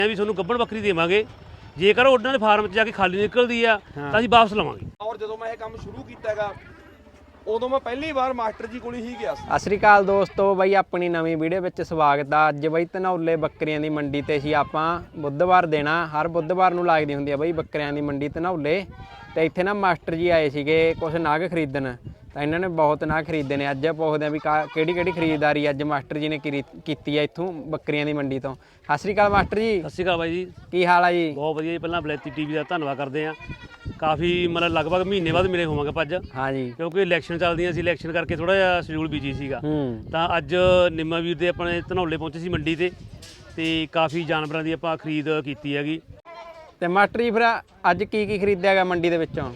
ਵੀ ਤੁਹਾਨੂੰ ਗੱਭਣ ਬੱਕਰੀ ਦੇਵਾਂਗੇ। ਜੇਕਰ ਉਹਨਾਂ ਦੇ ਫਾਰਮ 'ਚ ਜਾ ਕੇ ਖਾਲੀ ਨਿਕਲਦੀ ਆ ਤਾਂ ਅਸੀਂ ਵਾਪਸ ਲਵਾਂਗੇ। ਔਰ ਜਦੋਂ ਮੈਂ ਇਹ ਕੰਮ ਸ਼ੁਰੂ ਕੀਤਾ ਹੈਗਾ ਉਦੋਂ ਮੈਂ ਪਹਿਲੀ ਵਾਰ ਮਾਸਟਰ ਜੀ ਕੋਲ ਹੀ ਗਿਆ ਸੀ। ਸਤਿ ਸ਼੍ਰੀ ਅਕਾਲ ਦੋਸਤੋ, ਬਾਈ ਆਪਣੀ ਨਵੀਂ ਵੀਡੀਓ ਵਿੱਚ ਸਵਾਗਤ ਆ। ਅੱਜ ਬਾਈ ਧਨੌਲੇ ਬੱਕਰੀਆਂ ਦੀ ਮੰਡੀ ਤੇ ਸੀ ਆਪਾਂ ਬੁੱਧਵਾਰ ਦੇਣਾ, ਹਰ ਬੁੱਧਵਾਰ ਨੂੰ ਲੱਗਦੀ ਹੁੰਦੀ ਆ ਬਾਈ ਬੱਕਰੀਆਂ ਦੀ ਮੰਡੀ ਧਨੌਲੇ। ਤੇ ਇੱਥੇ ਨਾ ਮਾਸਟਰ ਜੀ ਆਏ ਸੀਗੇ ਕੁਝ ਨਾਗ ਖਰੀਦਣ, ਤਾਂ ਇਹਨਾਂ ਨੇ ਬਹੁਤ ਨਾਗ ਖਰੀਦੇ ਨੇ। ਅੱਜ ਪੁੱਛਦੇ ਆ ਵੀ ਕਿਹੜੀ ਕਿਹੜੀ ਖਰੀਦਦਾਰੀ ਅੱਜ ਮਾਸਟਰ ਜੀ ਨੇ ਕੀਤੀ ਆ ਇੱਥੋਂ ਬੱਕਰੀਆਂ ਦੀ ਮੰਡੀ ਤੋਂ। ਸਤਿ ਸ਼੍ਰੀ ਅਕਾਲ ਮਾਸਟਰ ਜੀ। ਸਤਿ ਸ਼੍ਰੀ ਅਕਾਲ ਬਾਈ ਜੀ, ਕੀ ਹਾਲ ਆ ਜੀ? ਬਹੁਤ ਵਧੀਆ ਜੀ। ਪਹਿਲਾਂ ਬਲੈਤੀ ਟੀਵੀ ਦਾ ਧੰਨਵਾਦ ਕਰਦੇ ਆ। ਕਾਫੀ ਮਤਲਬ ਲਗਭਗ ਮਹੀਨੇ ਬਾਅਦ ਮਿਲੇ ਹੋਵਾਂਗੇ ਆਪਾਂ ਅੱਜ। ਹਾਂ ਜੀ, ਕਿਉਂਕਿ ਇਲੈਕਸ਼ਨ ਚੱਲਦੀਆਂ ਸੀ, ਇਲੈਕਸ਼ਨ ਕਰਕੇ ਥੋੜਾ ਜਿਹਾ ਸ਼ਡਿਊਲ ਬਿਜੀ ਸੀਗਾ। ਤਾਂ ਅੱਜ ਨਿੰਮਾ ਵੀਰ ਦੇ ਆਪਣੇ ਧਨੌਲੇ ਪਹੁੰਚੇ ਸੀ ਮੰਡੀ ਤੇ ਕਾਫੀ ਜਾਨਵਰਾਂ ਦੀ ਆਪਾਂ ਖਰੀਦ ਕੀਤੀ ਹੈਗੀ। ਤੇ ਮਾਸਟਰ ਜੀ ਫਿਰ ਅੱਜ ਕੀ ਖਰੀਦਿਆ ਗਿਆ ਮੰਡੀ ਦੇ ਵਿੱਚੋਂ?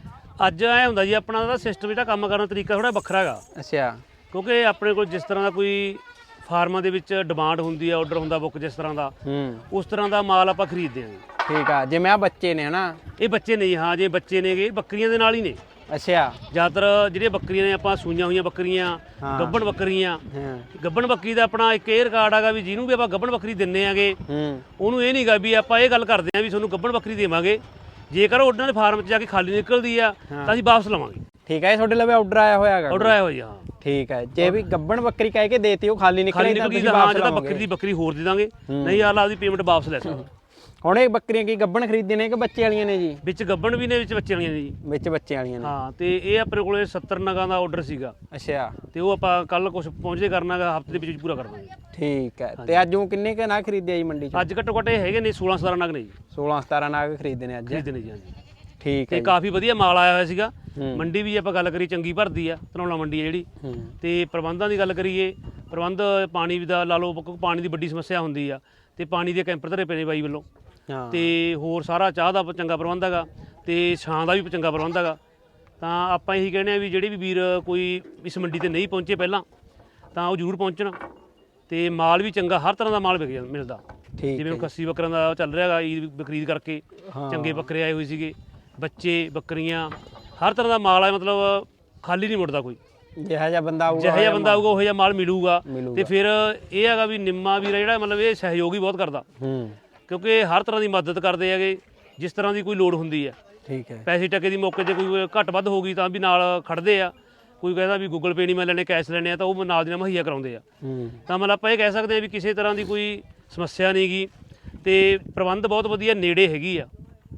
ਅੱਜ ਐ ਹੁੰਦਾ ਜੀ ਆਪਣਾ ਦਾ ਸਿਸਟਮ ਜਿਹੜਾ ਕੰਮ ਕਰਨ ਦਾ ਤਰੀਕਾ ਥੋੜਾ ਵੱਖਰਾ ਹੈਗਾ। ਅੱਛਾ। ਕਿਉਂਕਿ ਆਪਣੇ ਕੋਲ ਜਿਸ ਤਰ੍ਹਾਂ ਦਾ ਕੋਈ ਫਾਰਮਾਂ ਦੇ ਵਿੱਚ ਡਿਮਾਂਡ ਹੁੰਦੀ ਆ, ਆਰਡਰ ਹੁੰਦਾ ਬੁੱਕ ਜਿਸ ਤਰ੍ਹਾਂ ਦਾ, ਉਸ ਤਰ੍ਹਾਂ ਦਾ ਮਾਲ ਆਪਾਂ ਖਰੀਦਦੇ ਹਾਂ। ਠੀਕ ਆ, ਜਿਵੇਂ ਆ ਬੱਚੇ ਨੇ ਹਨਾ? ਇਹ ਬੱਚੇ ਨਹੀਂ, ਹਾਂ ਜੇ ਬੱਚੇ ਨੇਗੇ ਬੱਕਰੀਆਂ ਦੇ ਨਾਲ ਹੀ ਨੇ। ਅੱਛਾ। ਜ਼ਿਆਦਾਤਰ ਜਿਹੜੀਆਂ ਬੱਕਰੀਆਂ ਨੇ ਆਪਾਂ ਸੂਈਆਂ ਹੋਈਆਂ ਬੱਕਰੀਆਂ, ਗੱਭਣ ਬੱਕਰੀਆਂ। ਗੱਭਣ ਬੱਕਰੀ ਦਾ ਆਪਣਾ ਇੱਕ ਇਹ ਰਿਕਾਰਡ ਹੈਗਾ ਵੀ ਜਿਹਨੂੰ ਵੀ ਆਪਾਂ ਗੱਭਣ ਬੱਕਰੀ ਦਿੰਨੇ ਆਗੇ ਉਹਨੂੰ ਇਹ ਨਹੀਂਗਾ ਵੀ ਆਪਾਂ ਇਹ ਗੱਲ ਕਰਦੇ ਆ ਵੀ ਤੁਹਾਨੂੰ ਗੱਭਣ ਬੱਕਰੀ ਦੇਵਾਂਗੇ। ਜੇਕਰ ਉਹਨਾਂ ਦੇ ਫਾਰਮ 'ਚ ਜਾ ਕੇ ਖਾਲੀ ਨਿਕਲਦੀ ਆ ਤਾਂ ਅਸੀਂ ਵਾਪਸ ਲਵਾਂਗੇ। ਠੀਕ ਹੈ, ਤੁਹਾਡੇ ਲਵੇ ਆਰਡਰ ਆਇਆ ਹੋਇਆ ਹੈਗਾ? ਆਰਡਰ ਆਇਆ ਹੋਇਆ, ਹਾਂ। ਠੀਕ ਹੈ, ਜੇ ਵੀ ਗੱਭਣ ਬੱਕਰੀ ਕਹਿ ਕੇ ਦੇਤੀ ਉਹ ਖਾਲੀ ਨਿਕਲੀ ਤਾਂ ਤੁਸੀਂ ਵਾਪਸ ਜਦੋਂ ਬੱਕਰੀ ਦੀ ਬੱਕਰੀ ਹੋਰ ਦੇ ਦਾਂਗੇ, ਨਹੀਂ ਆਲਾ ਆਪਦੀ ਪੇਮੈਂਟ ਵਾਪਸ ਲੈ ਸਕਦੇ। ਹੁਣ ਇਹ ਬੱਕਰੀਆਂ ਕੀ ਗੱਭਣ ਖਰੀਦਦੇ ਨੇ ਕਿ ਬੱਚੇ ਵਾਲੀਆਂ ਨੇ ਜੀ? ਵਿੱਚ ਗੱਭਣ ਵੀ ਨੇ, ਵਿੱਚ ਬੱਚੇ ਵਾਲੀਆਂ ਨੇ ਜੀ। ਵਿੱਚ ਬੱਚੇ ਵਾਲੀਆਂ ਨੇ, ਹਾਂ। ਤੇ ਇਹ ਆਪਣੇ ਕੋਲੇ 70 ਨਗਾਂ ਦਾ ਆਰਡਰ ਸੀਗਾ। ਅੱਛਾ। ਤੇ ਉਹ ਆਪਾਂ ਕੱਲ ਕੁਝ ਪਹੁੰਚਦੇ ਕਰਨਾਗਾ, ਹਫ਼ਤੇ ਦੇ ਵਿੱਚ ਪੂਰਾ ਕਰ ਦਾਂਗੇ। ਠੀਕ ਹੈ। ਤੇ ਅੱਜ ਉਹ ਕਿੰਨੇ ਕੁ ਨਾਗ ਖਰੀਦੇ ਜੀ ਮੰਡੀ 'ਚ? ਅੱਜ ਘੱਟੋ ਘੱਟ ਇਹ ਹੈਗੇ ਨੇ 16-17 ਨਗ ਨੇ ਜੀ। 16-17 ਨਾਗ ਖਰੀਦੇ ਨੇ ਅੱਜ? ਖਰੀਦੇ ਨੇ ਜੀ, ਹਾਂਜੀ। ਠੀਕ ਹੈ। ਤੇ ਕਾਫੀ ਵਧੀਆ ਮਾਲ ਆਇਆ ਹੋਇਆ ਸੀਗਾ। ਮੰਡੀ ਵੀ ਆਪਾਂ ਗੱਲ ਕਰੀ ਚੰਗੀ ਭਰਦੀ ਆ, ਧਨੌਲਾ ਮੰਡੀ ਆ ਜਿਹੜੀ। ਤੇ ਪ੍ਰਬੰਧਾਂ ਦੀ ਗੱਲ ਕਰੀਏ, ਪ੍ਰਬੰਧ ਪਾਣੀ ਦਾ ਲਾ ਲਓ, ਪਾਣੀ ਦੀ ਵੱਡੀ ਸਮੱਸਿਆ ਹੁੰਦੀ ਆ ਤੇ ਪਾਣੀ ਦੇ ਕੈਂਪਰ ਧਰੇ ਪਏ ਨੇ ਬਾਈ ਵੱਲੋਂ। ਤੇ ਹੋਰ ਸਾਰਾ ਚਾਹ ਦਾ ਚੰਗਾ ਪ੍ਰਬੰਧ ਹੈਗਾ ਤੇ ਛਾਂ ਦਾ ਵੀ ਚੰਗਾ ਪ੍ਰਬੰਧ ਹੈਗਾ। ਤਾਂ ਆਪਾਂ ਇਹੀ ਕਹਿੰਦੇ ਆ ਵੀ ਜਿਹੜੇ ਵੀ ਵੀਰ ਕੋਈ ਇਸ ਮੰਡੀ ਤੇ ਨਹੀਂ ਪਹੁੰਚੇ ਪਹਿਲਾਂ ਤਾਂ ਉਹ ਜ਼ਰੂਰ ਪਹੁੰਚਣ। ਤੇ ਮਾਲ ਵੀ ਚੰਗਾ, ਹਰ ਤਰ੍ਹਾਂ ਦਾ ਮਾਲ ਮਿਲਦਾ। ਜਿਵੇਂ ਖੱਸੀ ਬੱਕਰਾਂ ਦਾ ਚੱਲ ਰਿਹਾ ਹੈਗਾ, ਈਦ ਖਰੀਦ ਕਰਕੇ ਚੰਗੇ ਬੱਕਰੇ ਆਏ ਹੋਏ ਸੀਗੇ, ਬੱਚੇ ਬੱਕਰੀਆਂ, ਹਰ ਤਰ੍ਹਾਂ ਦਾ ਮਾਲ ਆ। ਮਤਲਬ ਖਾਲੀ ਨਹੀਂ ਮੁੜਦਾ ਕੋਈ। ਜਿਹੋ ਜਿਹਾ ਬੰਦਾ ਆਊਗਾ ਉਹੋ ਜਿਹਾ ਮਾਲ ਮਿਲੂਗਾ। ਤੇ ਫਿਰ ਇਹ ਹੈਗਾ ਵੀ ਨਿੰਮਾ ਵੀਰ ਜਿਹੜਾ ਮਤਲਬ ਇਹ ਸਹਿਯੋਗ ਹੀ ਬਹੁਤ ਕਰਦਾ, ਕਿਉਂਕਿ ਹਰ ਤਰ੍ਹਾਂ ਦੀ ਮਦਦ ਕਰਦੇ ਹੈਗੇ ਜਿਸ ਤਰ੍ਹਾਂ ਦੀ ਕੋਈ ਲੋੜ ਹੁੰਦੀ ਹੈ। ਠੀਕ ਹੈ। ਪੈਸੇ ਟਕੇ ਦੀ ਮੌਕੇ 'ਤੇ ਕੋਈ ਘੱਟ ਵੱਧ ਹੋ ਗਈ ਤਾਂ ਵੀ ਨਾਲ ਖੜਦੇ ਆ। ਕੋਈ ਕਹਿੰਦਾ ਵੀ ਗੂਗਲ ਪੇ ਨਹੀਂ ਮੈਂ ਲੈਣੇ, ਕੈਸ਼ ਲੈਣੇ ਆ, ਤਾਂ ਉਹ ਨਾਲ ਦੀ ਨਾਲ ਮੁਹੱਈਆ ਕਰਾਉਂਦੇ ਆ। ਤਾਂ ਮਤਲਬ ਆਪਾਂ ਇਹ ਕਹਿ ਸਕਦੇ ਹਾਂ ਵੀ ਕਿਸੇ ਤਰ੍ਹਾਂ ਦੀ ਕੋਈ ਸਮੱਸਿਆ ਨਹੀਂ ਗੀ ਤੇ ਪ੍ਰਬੰਧ ਬਹੁਤ ਵਧੀਆ, ਨੇੜੇ ਹੈਗੀ ਆ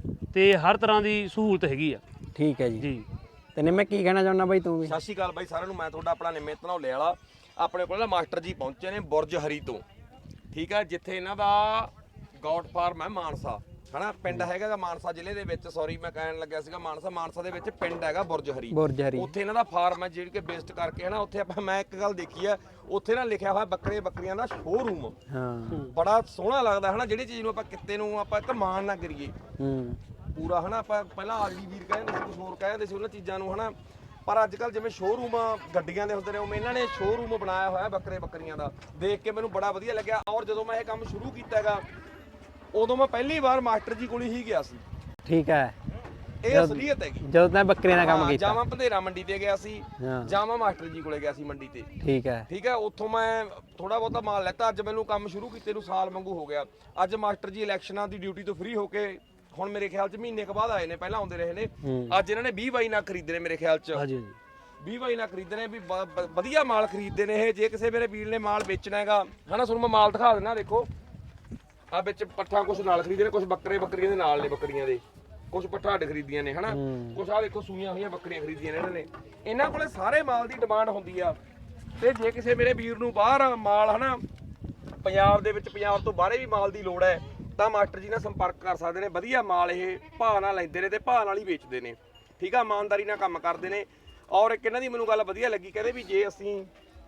ਤੇ ਹਰ ਤਰ੍ਹਾਂ ਦੀ ਸਹੂਲਤ ਹੈਗੀ ਆ। ਠੀਕ ਹੈ ਜੀ। ਜੀ। ਤੇ ਨਿੰਮੇ ਕੀ ਕਹਿਣਾ ਚਾਹੁੰਦਾ ਬਾਈ ਤੂੰ ਵੀ? ਸਤਿ ਸ਼੍ਰੀ ਅਕਾਲ ਬਾਈ ਸਾਰਿਆਂ ਨੂੰ, ਮੈਂ ਤੁਹਾਡਾ ਆਪਣਾ ਨਿੰਮੇ ਧਨੌਲੇ ਵਾਲਾ। ਆਪਣੇ ਕੋਲ ਨਾ ਮਾਸਟਰ ਜੀ ਪਹੁੰਚੇ ਨੇ ਬੁਰਜ ਹਰੀ ਤੋਂ। ਠੀਕ ਹੈ, ਜਿੱਥੇ ਇਹਨਾਂ ਦਾ ਗੌਟ ਫਾਰਮ ਹੈ ਮਾਨਸਾ, ਹਨਾ ਪਿੰਡ ਹੈਗਾ ਮਾਨਸਾ ਜ਼ਿਲ੍ਹੇ ਦੇ ਵਿੱਚ। ਸੌਰੀ ਮੈਂ ਕਹਿਣ ਲੱਗਿਆ ਸੀਗਾ ਮਾਨਸਾ ਦੇ ਵਿੱਚ ਪਿੰਡ ਹੈਗਾ ਬੁਰਜ ਹਰੀ। ਉੱਥੇ ਇਹਨਾਂ ਦਾ ਫਾਰਮ ਹੈ ਜਿਹੜੀ ਕਿ ਬੇਸਡ ਕਰਕੇ ਹਨਾ। ਉੱਥੇ ਮੈਂ ਇੱਕ ਗੱਲ ਦੇਖੀ ਆ, ਉੱਥੇ ਨਾ ਲਿਖਿਆ ਹੋਇਆ ਬੱਕਰੀਆਂ ਦਾ ਸ਼ੋਰੂਮ। ਬੜਾ ਸੋਹਣਾ ਲੱਗਦਾ ਹਨਾ। ਜਿਹੜੀ ਚੀਜ਼ ਨੂੰ ਆਪਾਂ ਕਿਤੇ ਨੂੰ ਆਪਾਂ ਇੱਕ ਮਾਣ ਨਾ ਕਰੀਏ ਪੂਰਾ ਹਨਾ। ਆਪਾਂ ਪਹਿਲਾਂ ਆਗਲੀ ਵੀਰ ਕਹਿੰਦੇ ਸੀ, ਕੁਝ ਹੋਰ ਕਹਿੰਦੇ ਸੀ ਉਹਨਾਂ ਚੀਜ਼ਾਂ ਨੂੰ ਹਨਾ। ਪਰ ਅੱਜ ਕੱਲ ਜਿਵੇਂ ਸ਼ੋਰੂਮ ਗੱਡੀਆਂ ਦੇ ਹੁੰਦੇ ਨੇ, ਉਵੇਂ ਇਹਨਾਂ ਨੇ ਸ਼ੋਰੂਮ ਬਣਾਇਆ ਹੋਇਆ ਬੱਕਰੀਆਂ ਦਾ। ਦੇਖ ਕੇ ਮੈਨੂੰ ਬੜਾ ਵਧੀਆ ਲੱਗਿਆ। ਔਰ ਜਦੋਂ ਮੈਂ ਇਹ ਕੰਮ ਸ਼ੁਰੂ ਕੀਤਾ ਹੈਗਾ ਉਦੋਂ ਮੈਂ ਪਹਿਲੀ ਵਾਰ ਮਾਸਟਰ ਜੀ ਕੋਲ ਹੀ ਗਿਆ ਸੀ। ਠੀਕ ਹੈ। ਇਹ ਅਸਲੀਅਤ ਹੈਗੀ। ਜਦੋਂ ਮੈਂ ਬੱਕਰੀਆਂ ਦਾ ਕੰਮ ਕੀਤਾ, ਜਾਵਾਂ ਭੰਦੇਰਾ ਮੰਡੀ ਤੇ ਗਿਆ ਸੀ, ਜਾਵਾਂ ਮਾਸਟਰ ਜੀ ਕੋਲੇ ਗਿਆ ਸੀ ਮੰਡੀ ਤੇ। ਠੀਕ ਹੈ। ਠੀਕ ਹੈ, ਉੱਥੋਂ ਮੈਂ ਥੋੜਾ ਬਹੁਤਾ ਮਾਲ ਲੈਤਾ। ਅੱਜ ਮੈਨੂੰ ਕੰਮ ਸ਼ੁਰੂ ਕੀਤੇ ਨੂੰ ਸਾਲ ਵਾਂਗੂ ਹੋ ਗਿਆ। ਅੱਜ ਮਾਸਟਰ ਜੀ ਇਲੈਕਸ਼ਨਾਂ ਦੀ ਡਿਊਟੀ ਤੋਂ ਫ੍ਰੀ ਹੋ ਕੇ ਹੁਣ ਮੇਰੇ ਖਿਆਲ 'ਚ ਮਹੀਨੇ ਕੁ ਬਾਅਦ ਆਏ ਨੇ, ਪਹਿਲਾਂ ਆਉਂਦੇ ਰਹੇ ਨੇ। ਅੱਜ ਇਹਨਾਂ ਨੇ 20 ਬਾਈ ਨਾਲ ਖਰੀਦੇ ਨੇ ਮੇਰੇ ਖਿਆਲ 'ਚ। ਹਾਂਜੀ। 20 ਬਾਈ ਨਾਲ ਖਰੀਦੇ ਨੇ, ਵੀ ਵਧੀਆ ਮਾਲ ਖਰੀਦਦੇ ਨੇ ਇਹ। ਜੇ ਕਿਸੇ ਮੇਰੇ ਵੀਰ ਨੇ ਮਾਲ ਵੇਚਣਾ ਹੈਗਾ ਹਨਾ, ਤੁਹਾਨੂੰ ਮੈਂ ਮਾਲ ਦਿਖਾ ਦਿੰਦਾ। ਦੇਖੋ ਆ ਵਿੱਚ ਪੱਠਾ ਕੁਛ ਨਾਲ ਖਰੀਦੇ ਨੇ, ਕੁਛ ਬੱਕਰੀਆਂ ਦੇ ਨਾਲ ਨੇ, ਬੱਕਰੀਆਂ ਦੇ ਕੁਛ ਪੱਠਾ ਅੱਡ ਖਰੀਦੀਆਂ ਨੇ ਹਨਾ। ਕੁਛ ਆ ਦੇਖੋ ਸੂਈਆਂ ਹੋਈਆਂ ਬੱਕਰੀਆਂ ਖਰੀਦੀਆਂ ਨੇ ਇਹਨਾਂ ਨੇ। ਇਹਨਾਂ ਕੋਲੇ ਸਾਰੇ ਮਾਲ ਦੀ ਡਿਮਾਂਡ ਹੁੰਦੀ ਆ। ਤੇ ਜੇ ਕਿਸੇ ਮੇਰੇ ਵੀਰ ਨੂੰ ਬਾਹਰ ਮਾਲ ਹਨਾ, ਪੰਜਾਬ ਦੇ ਵਿੱਚ, ਪੰਜਾਬ ਤੋਂ ਬਾਹਰੇ ਵੀ ਮਾਲ ਦੀ ਲੋੜ ਹੈ ਤਾਂ ਮਾਸਟਰ ਜੀ ਨਾਲ ਸੰਪਰਕ ਕਰ ਸਕਦੇ ਨੇ। ਵਧੀਆ ਮਾਲ ਇਹ ਭਾਅ ਨਾਲ ਲੈਂਦੇ ਨੇ ਤੇ ਭਾਅ ਨਾਲ ਹੀ ਵੇਚਦੇ ਨੇ। ਠੀਕ ਆ, ਇਮਾਨਦਾਰੀ ਨਾਲ ਕੰਮ ਕਰਦੇ ਨੇ। ਔਰ ਇੱਕ ਇਹਨਾਂ ਦੀ ਮੈਨੂੰ ਗੱਲ ਵਧੀਆ ਲੱਗੀ, ਕਹਿੰਦੇ ਵੀ ਜੇ ਅਸੀਂ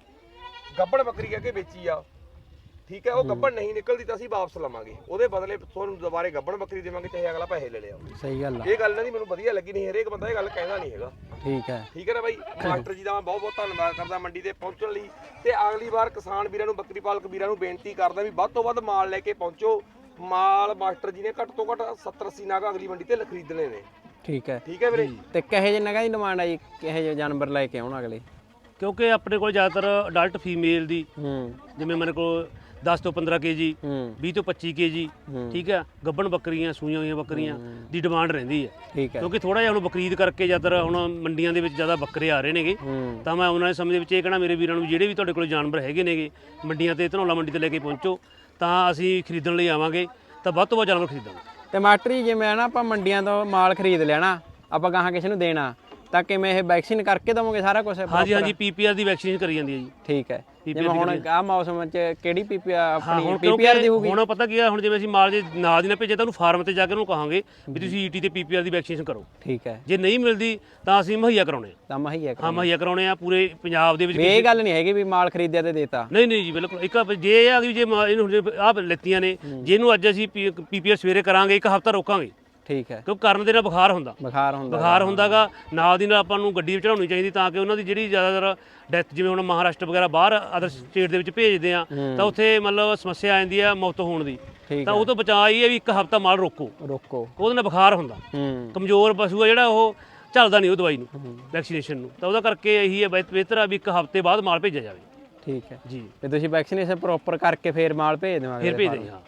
ਗੱਭਣ ਬੱਕਰੀ ਕਹਿ ਕੇ ਵੇਚੀ ਆ, ਠੀਕ ਹੈ, ਉਹ ਗੱਭਣ ਨਹੀਂ ਨਿਕਲਦੀ ਤਾਂ ਅਸੀਂ ਵਾਪਸ ਲਵਾਂਗੇ, ਉਹਦੇ ਬਦਲੇ ਤੁਹਾਨੂੰ ਦੁਬਾਰੇ ਗੱਭਣ ਬੱਕਰੀ ਦੇਵਾਂਗੇ, ਚਾਹੇ ਅਗਲਾ ਪੈਸੇ ਲੈ ਲਿਆ। ਸਹੀ ਗੱਲ ਆ। ਇਹ ਗੱਲ ਇਹਨਾਂ ਦੀ ਮੈਨੂੰ ਵਧੀਆ ਲੱਗੀ। ਨਹੀਂ ਹਰੇਕ ਬੰਦਾ ਇਹ ਗੱਲ ਕਹਿੰਦਾ ਨਹੀਂ ਹੈਗਾ। ਠੀਕ ਹੈ। ਠੀਕ ਹੈ ਨਾ ਬਾਈ। ਮਾਸਟਰ ਜੀ ਦਾ ਮੈਂ ਬਹੁਤ ਬਹੁਤ ਧੰਨਵਾਦ ਕਰਦਾ ਮੰਡੀ ਤੇ ਪਹੁੰਚਣ ਲਈ। ਤੇ ਅਗਲੀ ਵਾਰ ਕਿਸਾਨ ਵੀਰਾਂ ਨੂੰ, ਬੱਕਰੀ ਪਾਲਕ ਵੀਰਾਂ ਨੂੰ ਬੇਨਤੀ ਕਰਦਾ ਵੀ ਵੱਧ ਤੋਂ ਵੱਧ ਮਾਲ ਲੈ ਕੇ ਪਹੁੰਚੋ। ਮਾਲ ਮਾਸਟਰ ਜੀ ਨੇ ਘੱਟ ਤੋਂ ਘੱਟ 70-80 ਨਾਗ ਅਗਲੀ ਮੰਡੀ ਤੇ ਖਰੀਦਣੇ ਨੇ। ਠੀਕ ਹੈ। ਠੀਕ ਹੈ ਵੀਰੇ। ਤੇ ਕਿਹੋ ਜਿਹੇ ਨਗਾਂ ਦੀ ਡਿਮਾਂਡ ਆ ਜੀ, ਕਿਹੋ ਜਿਹੇ ਜਾਨਵਰ ਲੈ ਕੇ ਆਉਣ ਅਗਲੇ? ਕਿਉਂਕਿ ਆਪਣੇ ਕੋਲ ਜ਼ਿਆਦਾਤਰ ਅਡਲਟ ਫੀਮੇਲ ਦੀ, ਜਿਵੇਂ ਮੇਰੇ ਕੋਲ 10 ਤੋਂ 15 ਕੇਜੀ ਹੂੰ 20 ਤੋਂ 25 ਕੇਜੀ ਠੀਕ ਹੈ ਗੱਭਣ ਬੱਕਰੀਆਂ ਸੂਈਆਂ ਹੋਈਆਂ ਬੱਕਰੀਆਂ ਦੀ ਡਿਮਾਂਡ ਰਹਿੰਦੀ ਹੈ ਠੀਕ ਹੈ ਕਿਉਂਕਿ ਥੋੜਾ ਜਿਹਾ ਹੁਣ ਬਕਰੀਦ ਕਰਕੇ ਜ਼ਿਆਦਾਤਰ ਹੁਣ ਮੰਡੀਆਂ ਦੇ ਵਿੱਚ ਜ਼ਿਆਦਾ ਬੱਕਰੇ ਆ ਰਹੇ ਨੇਗੇ ਹੂੰ ਤਾਂ ਮੈਂ ਉਹਨਾਂ ਦੇ ਸਮੇਂ ਦੇ ਵਿੱਚ ਇਹ ਕਹਿਣਾ ਮੇਰੇ ਵੀਰਾਂ ਨੂੰ ਜਿਹੜੇ ਵੀ ਤੁਹਾਡੇ ਕੋਲ ਜਾਨਵਰ ਹੈਗੇ ਨੇਗੇ ਮੰਡੀਆਂ ਤੇ ਧਨੌਲਾ ਮੰਡੀ ਤੇ ਲੈ ਕੇ ਪਹੁੰਚੋ ਤਾਂ ਅਸੀਂ ਖਰੀਦਣ ਲਈ ਆਵਾਂਗੇ ਤਾਂ ਵੱਧ ਤੋਂ ਵੱਧ ਜਾਨਵਰ ਖਰੀਦਾਂਗੇ ਤੇ ਮਾਸਟਰ ਜੀ ਜਿਵੇਂ ਨਾ ਆਪਾਂ ਮੰਡੀਆਂ ਤੋਂ ਮਾਲ ਖਰੀਦ ਲੈਣਾ ਆਪਾਂ ਗਾਹਾਂ ਕਿਸੇ ਨੂੰ ਦੇਣਾ ਤਾਂ ਕਿਵੇਂ ਇਹ ਵੈਕਸੀਨ ਕਰਕੇ ਦਵੋਗੇ ਸਾਰਾ ਕੁਝ ਹਾਂਜੀ ਹਾਂਜੀ ਪੀਪੀਆਰ ਦੀ ਵੈਕਸੀਨ ਕਰੀ ਜਾਂਦੀ ਹੈ ਜੀ ਠੀਕ ਹੈ PPR ਜਿਵੇਂ ਹੁਣ ਆ ਮੌਸਮ 'ਚ ਕਿਹੜੀ ਪੀਪੀਆਰ ਹਾਂ ਆਪਣੀ ਹੁਣ ਪੀਪੀਆਰ ਦੀ ਹੋਊਗੀ ਹੁਣ ਪਤਾ ਕੀ ਆ ਹੁਣ ਜਿਵੇਂ ਅਸੀਂ ਮਾਲ ਜੇ ਨਾਲ ਦੀ ਨਾ ਭੇਜੇ ਤਾਂ ਉਹਨੂੰ ਫਾਰਮ ਤੇ ਜਾ ਕੇ ਉਹਨੂੰ ਕਹਾਂਗੇ ਵੀ ਤੁਸੀਂ ਈਟੀ ਤੇ ਪੀਪੀਆਰ ਦੀ ਵੈਕਸੀਨੇਸ਼ਨ ਕਰੋ ਠੀਕ ਹੈ ਜੇ ਨਹੀਂ ਮਿਲਦੀ ਤਾਂ ਅਸੀਂ ਮੁਹੱਈਆ ਕਰਾਉਣੇ ਆ ਤਾਂ ਮਹੀ ਹੈ ਹਾਂ ਮੁਹੱਈਆ ਕਰਾਉਣੇ ਆ ਪੂਰੇ ਪੰਜਾਬ ਦੇ ਵਿੱਚ ਇਹ ਗੱਲ ਨਹੀਂ ਹੈਗੀ ਵੀ ਮਾਲ ਖਰੀਦਿਆ ਤੇ ਦੇਤਾ ਨਹੀਂ ਨਹੀਂ ਜੀ ਬਿਲਕੁਲ ਇੱਕ ਜੇ ਇਹ ਆ ਵੀ ਜੇ ਇਹਨੂੰ ਆਹ ਲੈਤੀਆਂ ਨੇ ਜਿਹਨੂੰ ਅੱਜ ਅਸੀਂ ਪੀਪੀਆਰ ਸਵੇਰੇ ਕਰਾਂਗੇ ਇੱਕ ਹਫ਼ਤਾ ਰੋਕਾਂਗੇ ਠੀਕ ਹੈ ਕਿਉਂਕਿ ਕਰਨ ਦੇ ਨਾਲ ਬੁਖਾਰ ਹੁੰਦਾ ਬੁਖਾਰ ਹੁੰਦਾਗਾ ਨਾਲ ਦੀ ਨਾਲ ਆਪਾਂ ਨੂੰ ਗੱਡੀ ਚੜਾਉਣੀ ਚਾਹੀਦੀ ਤਾਂ ਕਿ ਉਹਨਾਂ ਦੀ ਜਿਹੜੀ ਜ਼ਿਆਦਾਤਰ ਡੈਥ ਜਿਵੇਂ ਹੁਣ ਮਹਾਰਾਸ਼ਟਰ ਵਗੈਰਾ ਬਾਹਰ ਅਦਰ ਸਟੇਟ ਦੇ ਵਿੱਚ ਭੇਜਦੇ ਆ ਤਾਂ ਉੱਥੇ ਮਤਲਬ ਸਮੱਸਿਆ ਆ ਜਾਂਦੀ ਆ ਮੌਤ ਹੋਣ ਦੀ ਠੀਕ ਤਾਂ ਉਹ ਤੋਂ ਬਚਾਅ ਇਹ ਹੈ ਵੀ ਇੱਕ ਹਫ਼ਤਾ ਮਾਲ ਰੋਕੋ ਉਹਦੇ ਨਾਲ ਬੁਖਾਰ ਹੁੰਦਾ ਹੂੰ ਕਮਜ਼ੋਰ ਪਸ਼ੂ ਆ ਜਿਹੜਾ ਉਹ ਚੱਲਦਾ ਨਹੀਂ ਉਹ ਦਵਾਈ ਨੂੰ ਵੈਕਸੀਨੇਸ਼ਨ ਨੂੰ ਤਾਂ ਉਹਦਾ ਕਰਕੇ ਇਹੀ ਹੈ ਬਿਹਤਰ ਆ ਵੀ ਇੱਕ ਹਫ਼ਤੇ ਬਾਅਦ ਮਾਲ ਭੇਜਿਆ ਜਾਵੇ ਠੀਕ ਹੈ ਜੀ ਤੇ ਤੁਸੀਂ ਵੈਕਸੀਨੇਸ਼ਨ ਪ੍ਰੋਪਰ ਕਰਕੇ ਫੇਰ ਮਾਲ ਭੇਜ ਦੇਵਾਂਗੇ ਫਿਰ ਭੇਜ ਦੇ ਹਾਂ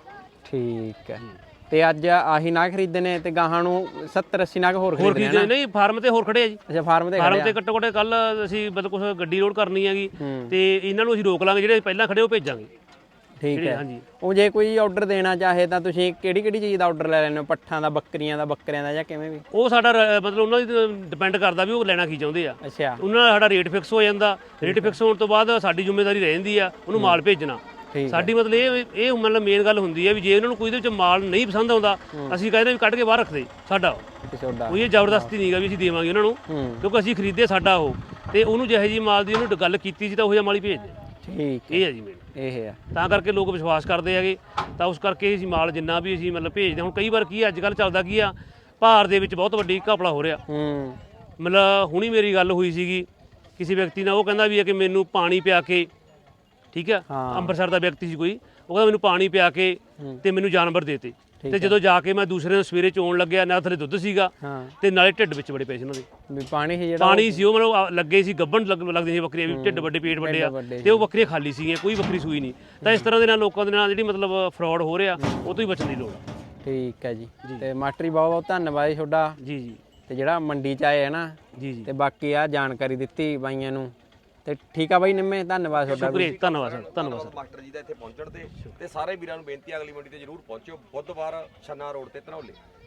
ਠੀਕ ਹੈ ਤੇ ਅੱਜ ਆਹੀ ਨਾ ਖਰੀਦਣੇ ਤੇ ਗਾਹਾਂ ਨੂੰ 70 80 ਨਾਗ ਹੋਰ ਹੋਰ ਖਰੀਦਣੇ ਕੀ ਨਹੀਂ ਫਾਰਮ ਤੇ ਹੋਰ ਖੜੇ ਆ ਜੀ ਅੱਛਾ ਫਾਰਮ ਤੇ ਫਾਰਮ ਤੇ ਘੱਟੋ ਘੱਟ ਕੱਲ ਅਸੀਂ ਮਤਲਬ ਕੁਝ ਗੱਡੀ ਲੋਡ ਕਰਨੀ ਹੈਗੀ ਤੇ ਇਹਨਾਂ ਨੂੰ ਅਸੀਂ ਰੋਕ ਲਾਂਗੇ ਜਿਹੜੇ ਪਹਿਲਾਂ ਖੜੇ ਉਹ ਭੇਜਾਂਗੇ ਠੀਕ ਹੈ ਹਾਂਜੀ ਉਹ ਜੇ ਕੋਈ ਆਰਡਰ ਦੇਣਾ ਚਾਹੇ ਤਾਂ ਤੁਸੀਂ ਕਿਹੜੀ ਕਿਹੜੀ ਚੀਜ਼ ਦਾ ਆਰਡਰ ਲੈ ਲੈਂਦੇ ਹੋ ਪੱਠਾਂ ਦਾ ਬੱਕਰੀਆਂ ਦਾ ਜਾਂ ਕਿਵੇਂ ਵੀ ਉਹ ਸਾਡਾ ਮਤਲਬ ਉਹਨਾਂ ਦੀ ਡਿਪੈਂਡ ਕਰਦਾ ਵੀ ਉਹ ਲੈਣਾ ਕੀ ਚਾਹੁੰਦੇ ਆ ਅੱਛਾ ਉਹਨਾਂ ਦਾ ਸਾਡਾ ਰੇਟ ਫਿਕਸ ਹੋ ਜਾਂਦਾ ਰੇਟ ਫਿਕਸ ਹੋਣ ਤੋਂ ਬਾਅਦ ਸਾਡੀ ਜ਼ਿੰਮੇਵਾਰੀ ਰਹਿ ਜਾਂਦੀ ਆ ਉਹਨੂੰ ਮਾਲ ਭੇਜਣਾ ਸਾਡੀ ਮਤਲਬ ਇਹ ਮਤਲਬ ਮੇਨ ਗੱਲ ਹੁੰਦੀ ਹੈ ਵੀ ਜੇ ਉਹਨਾਂ ਨੂੰ ਕੋਈ ਦੇ ਵਿੱਚ ਮਾਲ ਨਹੀਂ ਪਸੰਦ ਆਉਂਦਾ ਅਸੀਂ ਕਹਿੰਦੇ ਵੀ ਕੱਢ ਕੇ ਬਾਹਰ ਰੱਖ ਦੇ ਸਾਡਾ ਕੋਈ ਇਹ ਜ਼ਬਰਦਸਤੀ ਨਹੀਂਗਾ ਵੀ ਅਸੀਂ ਦੇਵਾਂਗੇ ਉਹਨਾਂ ਨੂੰ ਕਿਉਂਕਿ ਅਸੀਂ ਖਰੀਦੇ ਸਾਡਾ ਉਹ ਤੇ ਉਹਨੂੰ ਜਿਹੇ ਜੀ ਮਾਲ ਦੀ ਉਹਨੂੰ ਗੱਲ ਕੀਤੀ ਸੀ ਤਾਂ ਉਹ ਜਿਹਾ ਮਾਲ ਹੀ ਭੇਜ ਦੇ ਠੀਕ ਇਹ ਹੈ ਜੀ ਮੇਨ ਇਹ ਹੈ ਤਾਂ ਕਰਕੇ ਲੋਕ ਵਿਸ਼ਵਾਸ ਕਰਦੇ ਹੈਗੇ ਤਾਂ ਉਸ ਕਰਕੇ ਅਸੀਂ ਮਾਲ ਜਿੰਨਾ ਵੀ ਅਸੀਂ ਮਤਲਬ ਭੇਜਦੇ ਹੁਣ ਕਈ ਵਾਰ ਕੀ ਅੱਜ ਕੱਲ੍ਹ ਚੱਲਦਾ ਕੀ ਆ ਭਾਰ ਦੇ ਵਿੱਚ ਬਹੁਤ ਵੱਡੀ ਘਪਲਾ ਹੋ ਰਿਹਾ ਮਤਲਬ ਹੁਣੀ ਮੇਰੀ ਗੱਲ ਹੋਈ ਸੀਗੀ ਕਿਸੇ ਵਿਅਕਤੀ ਨਾਲ ਉਹ ਕਹਿੰਦਾ ਵੀ ਹੈ ਕਿ ਮੈਨੂੰ ਪਾਣੀ ਪਿਆ ਕੇ ਠੀਕ ਆ ਅੰਮ੍ਰਿਤਸਰ ਦਾ ਵਿਅਕਤੀ ਸੀ ਕੋਈ ਉਹ ਕਹਿੰਦਾ ਮੈਨੂੰ ਪਾਣੀ ਪਿਆ ਕੇ ਤੇ ਮੈਨੂੰ ਜਾਨਵਰ ਦੇਤੇ ਤੇ ਜਦੋਂ ਜਾ ਕੇ ਮੈਂ ਦੂਸਰੇ ਦਿਨ ਸਵੇਰੇ ਚੋਣ ਲੱਗਿਆ ਨਾ ਥੱਲੇ ਦੁੱਧ ਸੀਗਾ ਤੇ ਨਾਲੇ ਢਿੱਡ ਵਿੱਚ ਬੜੇ ਪਏ ਸੀ ਉਹਨਾਂ ਦੇ ਵੀ ਪਾਣੀ ਸੀ ਜਿਹੜਾ ਪਾਣੀ ਸੀ ਉਹ ਮਤਲਬ ਲੱਗੇ ਸੀ ਗੱਭਣ ਲੱਗਦੇ ਸੀ ਬੱਕਰੀਆਂ ਵੀ ਢਿੱਡ ਵੱਡੇ ਪੇਟ ਵੱਡੇ ਆ ਤੇ ਉਹ ਬੱਕਰੀਆਂ ਖਾਲੀ ਸੀਗੀਆਂ ਕੋਈ ਬੱਕਰੀ ਸੂਈ ਨਹੀਂ ਤਾਂ ਇਸ ਤਰ੍ਹਾਂ ਦੇ ਨਾਲ ਲੋਕਾਂ ਦੇ ਨਾਲ ਜਿਹੜੀ ਮਤਲਬ ਫਰਾਡ ਹੋ ਰਿਹਾ ਉਹ ਤੋਂ ਹੀ ਬਚਣ ਦੀ ਲੋੜ ਆ ਠੀਕ ਹੈ ਜੀ ਤੇ ਮਾਸਟਰ ਬਹੁਤ ਬਹੁਤ ਧੰਨਵਾਦ ਜੀ ਤੁਹਾਡਾ ਜੀ ਜੀ ਤੇ ਜਿਹੜਾ ਮੰਡੀ ਚ ਆਏ ਹੈ ਨਾ ਜੀ ਜੀ ਤੇ ਬਾਕੀ ਆ ਜਾਣਕਾਰੀ ਦਿੱਤੀ ਬਾਈਆਂ ਨੂੰ ਤੇ ਠੀਕ ਆ ਬਾਈ ਨਿੰਮੇ ਧੰਨਵਾਦ ਤੁਹਾਡਾ ਸ਼ੁਕਰੀਆ ਧੰਨਵਾਦ ਸਰ ਧੰਨਵਾਦ ਸਰ ਮਾਸਟਰ ਜੀ ਦਾ ਇੱਥੇ ਪਹੁੰਚਣ ਤੇ ਸਾਰੇ ਵੀਰਾਂ ਨੂੰ ਬੇਨਤੀ ਅਗਲੀ ਮੰਡੀ ਤੇ ਜਰੂਰ ਪਹੁੰਚਿਓ ਬੁੱਧਵਾਰ ਛੰਨਾ ਰੋਡ ਤੇ ਧਨੌਲੇ